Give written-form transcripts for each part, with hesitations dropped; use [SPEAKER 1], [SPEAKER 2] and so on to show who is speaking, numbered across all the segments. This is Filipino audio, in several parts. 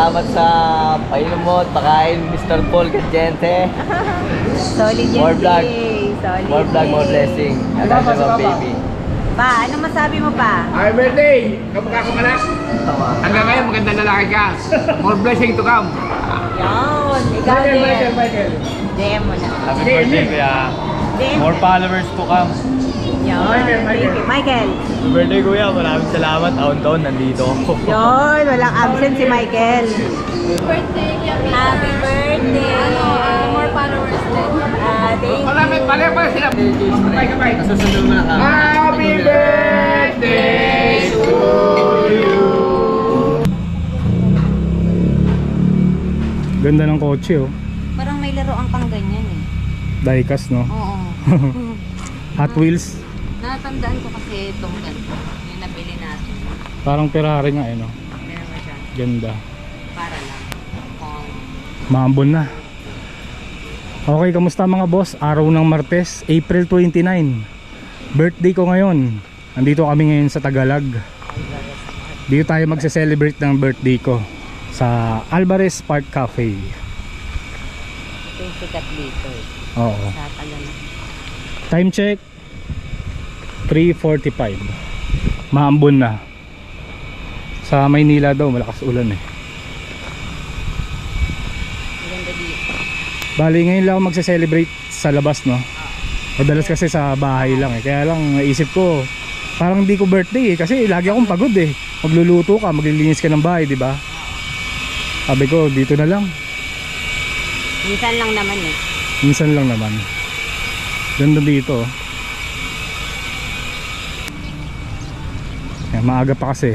[SPEAKER 1] salamat sa painom mo at pakain, Mr. Paul Gadiente.
[SPEAKER 2] Solid yan.
[SPEAKER 1] More vlog.
[SPEAKER 2] Solid.
[SPEAKER 1] More vlog, more blessing. I love you, my baby.
[SPEAKER 2] Pa, ano masabi mo pa?
[SPEAKER 3] Happy birthday! Kapag ako anak, hanggang ngayon magandang lalaki ka. More blessing to come.
[SPEAKER 2] Yan. Ikaw din.
[SPEAKER 3] Michael.
[SPEAKER 2] DM mo na.
[SPEAKER 4] Happy birthday, kuya.
[SPEAKER 2] DM.
[SPEAKER 4] More followers to come.
[SPEAKER 2] Yan. Thank you. Michael.
[SPEAKER 4] Happy birthday, kuya. Maraming salamat. Taon-taon, nandito ako.
[SPEAKER 2] Yun. Walang absent si Michael.
[SPEAKER 5] Birthday,
[SPEAKER 2] Happy birthday.
[SPEAKER 5] more followers din.
[SPEAKER 2] Thank you.
[SPEAKER 3] Pala sila. Kapay.
[SPEAKER 1] Susunod mo na ka.
[SPEAKER 3] Happy birthday to you.
[SPEAKER 6] Ganda ng kotse oh.
[SPEAKER 2] Parang may laruan pang ganyan eh.
[SPEAKER 6] Diecast no.
[SPEAKER 2] Oo.
[SPEAKER 6] Hot Wheels.
[SPEAKER 2] Natandaan ko kasi itong ganito. Yung nabili natin.
[SPEAKER 6] Parang Ferrari nga eh no.
[SPEAKER 2] Meron mo siya.
[SPEAKER 6] Ganda.
[SPEAKER 2] Para lang. Kung
[SPEAKER 6] Maambon na. Okay, kamusta mga boss? Araw ng Martes, April 29. Birthday ko ngayon. Nandito kami ngayon sa Tagalog. Dito tayo magse-celebrate ng birthday ko sa Alvarez Park Cafe.
[SPEAKER 2] ito yung sikat dito eh.
[SPEAKER 6] Oo.
[SPEAKER 2] Sa Tagalog.
[SPEAKER 6] Time check 3:45. Maambon na. Sa Maynila daw malakas ulan eh.
[SPEAKER 2] Maganda dito.
[SPEAKER 6] Bali ngayon lang ako magse-celebrate sa labas no. Madalas kasi sa bahay lang eh. Kaya lang naisip ko parang hindi ko birthday eh kasi lagi akong pagod eh. Magluluto ka, maglilinis ka ng bahay, di ba? Sabi ko dito na lang.
[SPEAKER 2] Minsan lang naman eh.
[SPEAKER 6] Minsan lang naman. Ganda dito. Yan, maaga pa kasi.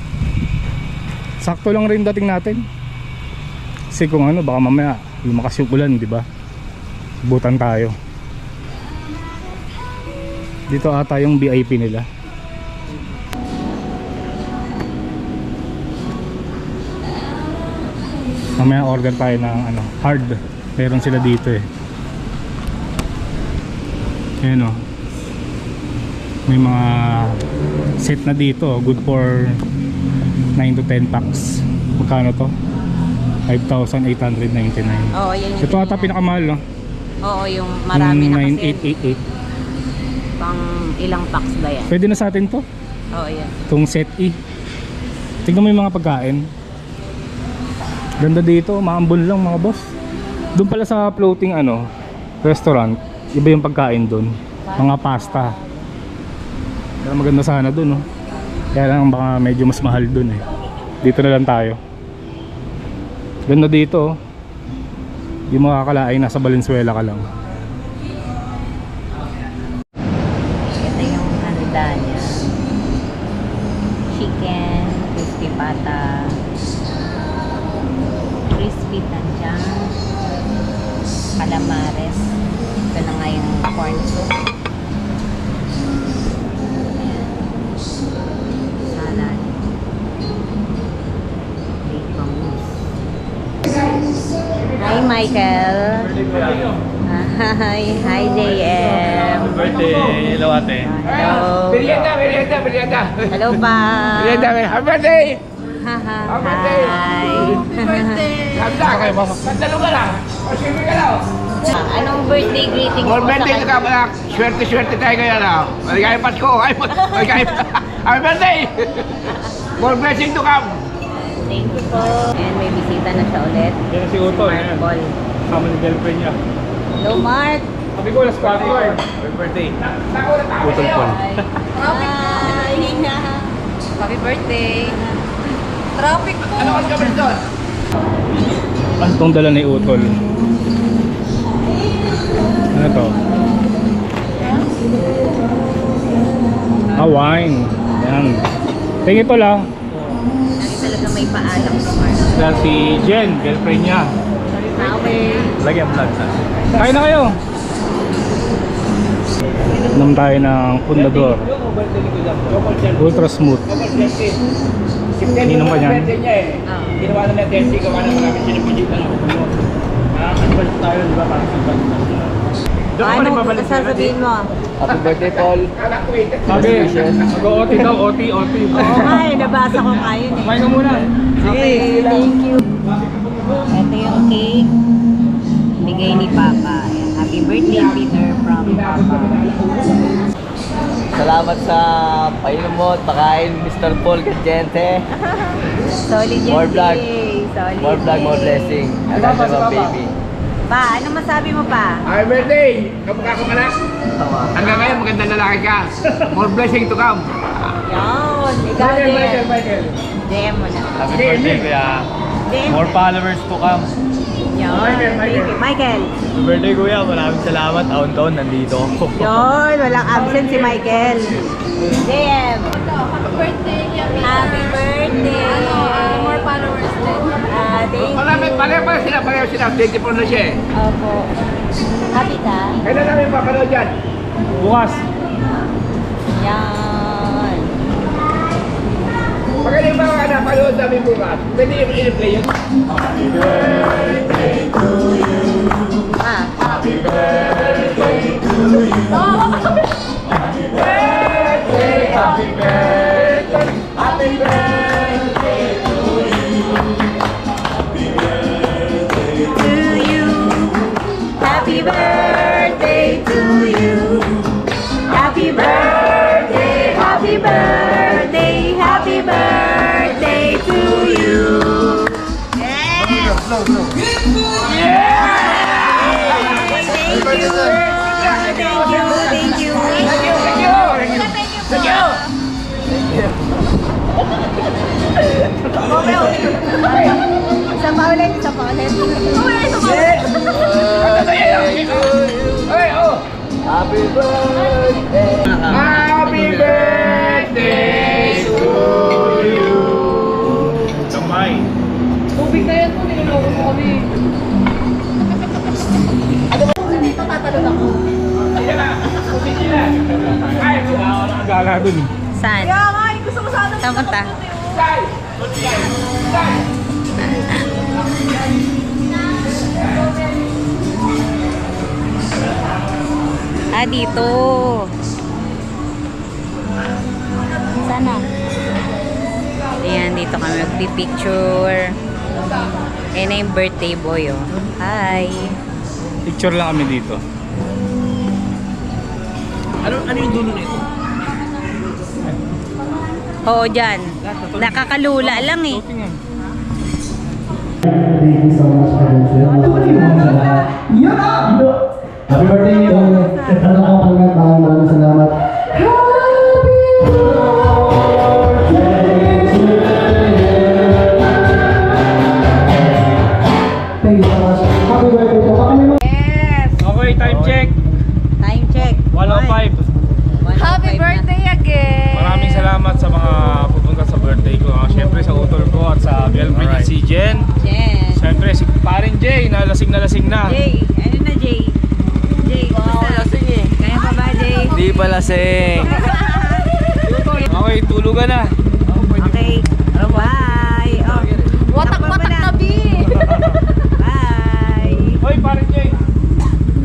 [SPEAKER 6] Sakto lang rin dating natin. Kasi kung ano, baka mamaya lumakas yung ulan, di ba? Butan tayo. Dito ata yung VIP nila. Mamaya order tayo ng ano, hard. Meron sila dito eh. Ayan o. May mga set na dito. Good for 9 to 10 packs. Magkano to? 5,899.
[SPEAKER 2] Oo, yan yung
[SPEAKER 6] Ito ata pinakamahal no?
[SPEAKER 2] Oo, yung marami na kasi.
[SPEAKER 6] 9888.
[SPEAKER 2] Pang ilang packs ba yan?
[SPEAKER 6] Pwede na sa atin to.
[SPEAKER 2] Oo, yan.
[SPEAKER 6] Itong set E. Tignan mo yung mga pagkain. Ganda dito, maambon lang mga boss. Doon pala sa floating ano, restaurant, iba yung pagkain doon. Mga pasta. Kaya maganda sana doon, no? Kaya lang baka medyo mas mahal doon eh. Dito na lang tayo. Ganda dito, oh. Di mo kakalain, nasa Valenzuela ka lang.
[SPEAKER 2] Ito yung handa niya. Chicken, crispy pata, crispy tanjang, calamares. Ito na nga yung corn soup. Ayan. Salad. Bacon mousse. Hi Michael. Hi, hi JM.
[SPEAKER 4] Birthday, hello ate.
[SPEAKER 2] Hello.
[SPEAKER 3] Merienda.
[SPEAKER 2] Hello pa.
[SPEAKER 3] Merienda. Happy birthday!
[SPEAKER 2] Hi.
[SPEAKER 3] Happy birthday! Sandalo ka lang. O, siyempre ka lang.
[SPEAKER 2] Anong birthday greeting
[SPEAKER 3] More
[SPEAKER 2] mo sa
[SPEAKER 3] birthday ka
[SPEAKER 2] kanya?
[SPEAKER 3] anak. Swerte tayo ngayon ah. Maligayang Pasko. Happy birthday! More blessing to come.
[SPEAKER 2] Thank you po. And may bisita na siya ulit.
[SPEAKER 6] Yan si Utol,
[SPEAKER 2] Mark
[SPEAKER 6] yan.
[SPEAKER 2] Paul.
[SPEAKER 6] Kasama ni girlfriend niya.
[SPEAKER 2] Hello Mark.
[SPEAKER 6] Sabi ko, last party.
[SPEAKER 4] Happy birthday.
[SPEAKER 6] Utol Paul.
[SPEAKER 2] Hi.
[SPEAKER 5] Happy birthday. Traffic po.
[SPEAKER 3] Ano kasi kami doon?
[SPEAKER 6] Ano itong dala ni Utol? Ano to? Wine. Yan. Tingin ito lang.
[SPEAKER 2] Lagi talaga may paalam si Mark.
[SPEAKER 6] Dahil si Jen, girlfriend niya.
[SPEAKER 2] Okay.
[SPEAKER 4] Lagyan vlog na.
[SPEAKER 6] Kain na kayo! Inom tayo ng Fundador. Ultra smooth. Ininom ka niyan?
[SPEAKER 3] Ginawa na natin, gawa na marami sinipidita na. Advance tayo, di ba? Parang
[SPEAKER 5] Ano sasabihin mo?
[SPEAKER 1] Happy birthday, Paul.
[SPEAKER 6] Sabi, mag-OT daw, OT.
[SPEAKER 5] Oo nga eh, nabasa ko nga yun eh.
[SPEAKER 6] Kumain ka muna.
[SPEAKER 5] Okay, thank you. Ito yung cake. Bigay ni Papa. Ayan, happy birthday, Peter, from Papa.
[SPEAKER 1] Salamat sa painom mo at pakain, Mr. Paul Gadiente.
[SPEAKER 5] Solid yan,
[SPEAKER 1] More vlog.
[SPEAKER 5] Solid.
[SPEAKER 1] More vlog, more blessing. I love you, my baby.
[SPEAKER 5] Pa, ano masabi mo pa?
[SPEAKER 3] Happy birthday! Kamukha kong anak. Hanggang ngayon, magandang lalaki ka. More blessing to come.
[SPEAKER 5] Yan, ikaw din. DM mo na.
[SPEAKER 4] Happy birthday, kuya.
[SPEAKER 5] DM.
[SPEAKER 4] More followers to come.
[SPEAKER 5] Yan, thank you. Michael.
[SPEAKER 4] Happy birthday, kuya. Maraming salamat. Taon-taon nandito ako.
[SPEAKER 5] Yun, walang absent si Michael. DM.
[SPEAKER 2] Happy birthday, Yami.
[SPEAKER 5] Happy birthday.
[SPEAKER 2] More followers din.
[SPEAKER 5] Thank
[SPEAKER 3] Pareho sila. 24 na siya eh.
[SPEAKER 5] Opo. Happy ka?
[SPEAKER 3] Kailan namin papanood yan?
[SPEAKER 6] Bukas.
[SPEAKER 5] Yan.
[SPEAKER 3] Magaling ba ang anak, panood namin bukas? Pwede i-play yun?
[SPEAKER 5] Happy birthday to you. Happy birthday, happy birthday, happy birthday to you. Yes! Thank you. Thank you. Isa pa ulit.
[SPEAKER 3] Hey, oh!
[SPEAKER 1] Happy birthday!
[SPEAKER 3] Happy birthday to you!
[SPEAKER 6] Kamay.
[SPEAKER 5] Tubig na yan po, niloloko mo kami. Dito tatalon ako.
[SPEAKER 6] Gala dun.
[SPEAKER 5] Saan?
[SPEAKER 2] Kaya nga, gusto ko sana.
[SPEAKER 5] Saan punta? Dito. Sana. Ayan, dito kami magpipicture. Ayan na yung birthday boy, oh. Hi.
[SPEAKER 6] Picture lang kami dito.
[SPEAKER 3] Ano yung dulo nito?
[SPEAKER 5] Oo, dyan. Nakakalula lang eh.
[SPEAKER 6] Floating yan.
[SPEAKER 7] Thank you so much, friends. Happy birthday, Tony. Ano ko pala, maraming salamat. Thank you so much. Happy birthday po.
[SPEAKER 5] Yes!
[SPEAKER 6] Okay, time check.
[SPEAKER 5] Time check.
[SPEAKER 6] 1:05.
[SPEAKER 2] Happy birthday again.
[SPEAKER 6] Maraming salamat sa mga pupunta sa birthday ko. Siyempre sa utol ko at sa girlfriend niya si Jen.
[SPEAKER 5] Jen.
[SPEAKER 6] Siyempre si parin Jay, na lasing na.
[SPEAKER 5] Jay. Ano na, Jay? Jay, kumusta?
[SPEAKER 1] Lasing eh.
[SPEAKER 5] Kaya pa ba, Jay?
[SPEAKER 1] Di pa lasing.
[SPEAKER 6] Okay, tulugan na.
[SPEAKER 5] Okay. Bye. Oh.
[SPEAKER 2] Watak